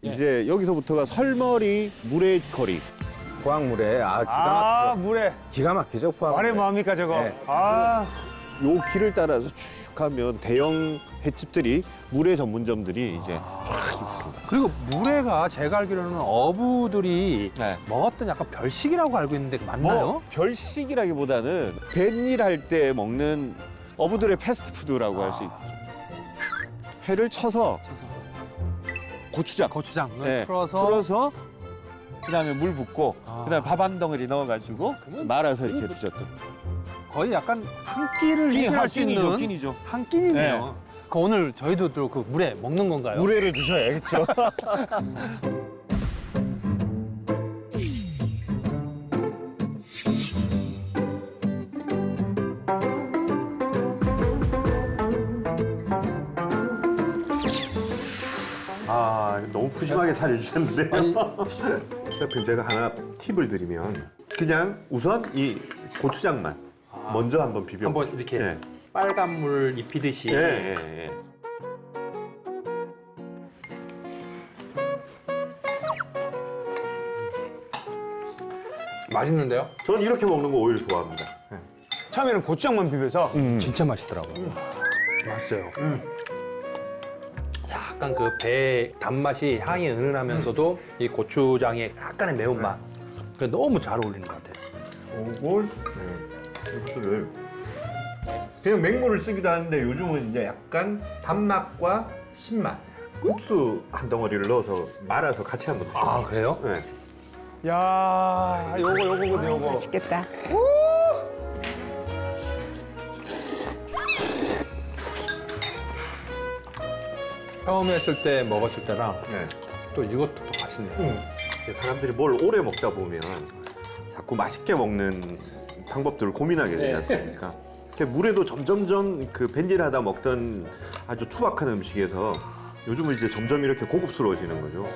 이제 여기서부터가 설머리 물의 거리. 포항물에 기가 막히죠 포항. 말해 뭐합니까 저거. 네. 요 길을 따라서 쭉 가면 대형 횟집들이 물회 전문점들이 이제 쫙 있습니다. 그리고 물회가 제가 알기로는 어부들이 네. 먹었던 약간 별식이라고 알고 있는데 맞나요? 뭐 별식이라기보다는 뱃일 할 때 먹는 어부들의 패스트푸드라고 할 수 있죠. 회를 쳐서 고추장 고추장을 네, 풀어서 그다음에 물 붓고 그다음에 밥 한 덩어리 넣어가지고 말아서 이렇게 드셨던. 거의 약간 한 끼를 해결할 수 있는 끼니죠. 한 끼니네요. 그 오늘 저희도 또 그 물회 먹는 건가요? 물회를 드셔야겠죠. 아, 너무 푸짐하게 차려주셨는데요. 셰프님, 제가 하나 팁을 드리면 그냥 우선 이 고추장만 먼저 한번 비벼. 한번 이렇게 예. 빨간 물 입히듯이. 예, 예, 예. 맛있는데요? 저는 이렇게 먹는 거 오히려 좋아합니다. 처음에는 고추장만 비벼서 진짜 맛있더라고요. 맛있어요. 약간 그 배 단맛이 향이 은은하면서도 이 고추장의 약간의 매운맛. 그게 너무 잘 어울리는 것 같아요. 이걸 육수를 그냥 맹물을 쓰기도 하는데 요즘은 이제 약간 단맛과 신맛 국수 한 덩어리를 넣어서 말아서 같이 한번 드셔보세요. 아, 그래요? 네. 야 요거거든 요거. 맛있겠다. 처음 했을 때 먹었을 때랑 네. 또 이것도 또 맛있네요. 사람들이 뭘 오래 먹다 보면 자꾸 맛있게 먹는 방법들을 고민하게 되지 않습니까? 물에도 점점점 그 벤질하다 먹던 아주 투박한 음식에서 요즘은 이제 점점 이렇게 고급스러워지는 거죠.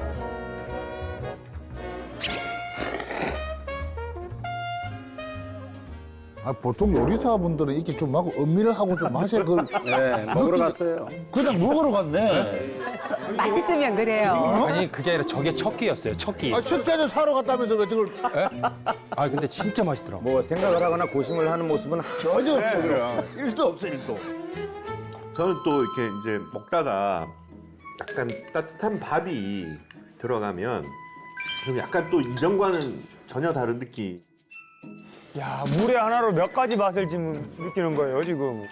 아, 보통 요리사분들은 이렇게 좀 하고 음미를 하고 좀 하셔야 그걸 네, 먹으러 갔어요. 그냥 먹으러 갔네. 맛있으면 그래요. 아니, 그게 아니라 저게 첫 끼였어요, 첫 끼. 아, 식자재 사러 갔다면서 왜 저걸 아, 근데 진짜 맛있더라고요. 뭐 생각을 하거나 고심을 하는 모습은 전혀 없어 그냥. 일도 없어 일도. 저는 또 이렇게 이제 먹다가 약간 따뜻한 밥이 들어가면 그럼 약간 또 이전과는 전혀 다른 느낌. 야 물회 하나로 몇 가지 맛을 지금 느끼는 거예요 지금.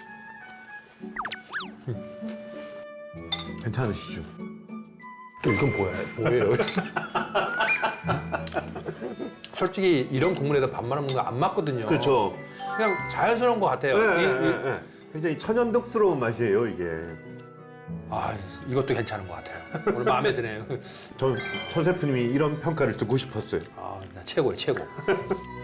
괜찮으시죠? 또 이건 뭐예요? 솔직히 이런 국물에다 밥 말아 먹는 거 안 맞거든요. 그렇죠. 그냥 자연스러운 것 같아요. 굉장히 천연덕스러운 맛이에요 이게. 아, 이것도 괜찮은 것 같아요. 오늘 마음에 드네요. 전 셰프님이 이런 평가를 듣고 싶었어요. 아, 최고예요, 최고.